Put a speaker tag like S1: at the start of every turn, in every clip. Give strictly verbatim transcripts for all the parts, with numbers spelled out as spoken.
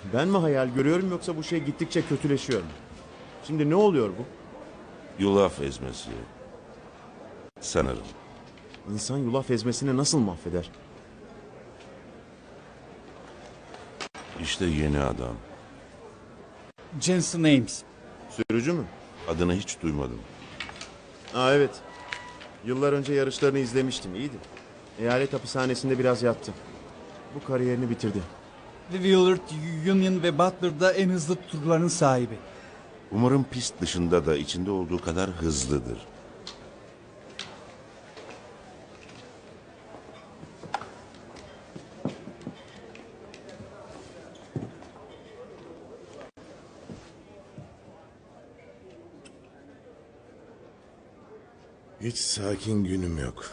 S1: Ben mi hayal görüyorum yoksa bu şey gittikçe kötüleşiyor mu? Şimdi ne oluyor bu?
S2: Yulaf ezmesi. Sanırım.
S1: İnsan yulaf ezmesini nasıl mahveder?
S2: İşte yeni adam.
S3: Jensen Ames.
S1: Sürücü mü?
S2: Adını hiç duymadım.
S1: Aa evet. Yıllar önce yarışlarını izlemiştim. İyiydi. Eyalet hapishanesinde biraz yattı. Bu kariyerini bitirdi.
S3: Ve Willard, Union ve Butler'da en hızlı turların sahibi.
S2: Umarım pist dışında da içinde olduğu kadar hızlıdır.
S4: Hiç sakin günüm yok.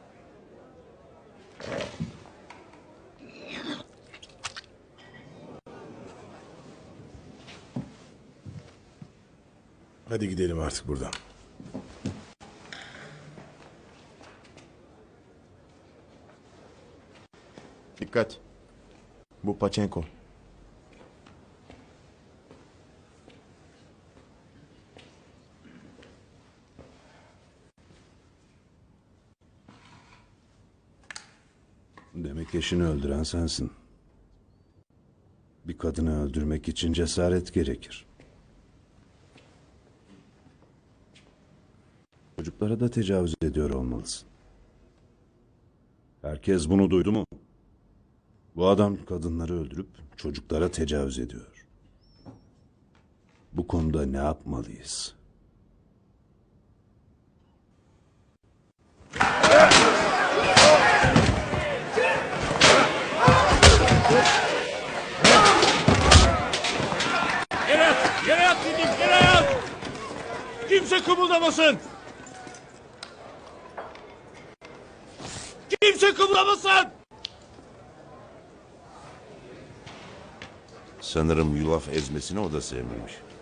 S4: Hadi gidelim artık buradan.
S1: Dikkat. Bu Paçenko.
S5: Demek eşini öldüren sensin. Bir kadını öldürmek için cesaret gerekir. Çocuklara da tecavüz ediyor olmalısın. Herkes bunu duydu mu? Bu adam kadınları öldürüp çocuklara tecavüz ediyor. Bu konuda ne yapmalıyız?
S6: Yere yat! Yere yat dedim! Yere yat! Kimse kımıldamasın! Kimse kımıldamasın!
S2: Sanırım yulaf ezmesini o da sevmemiş.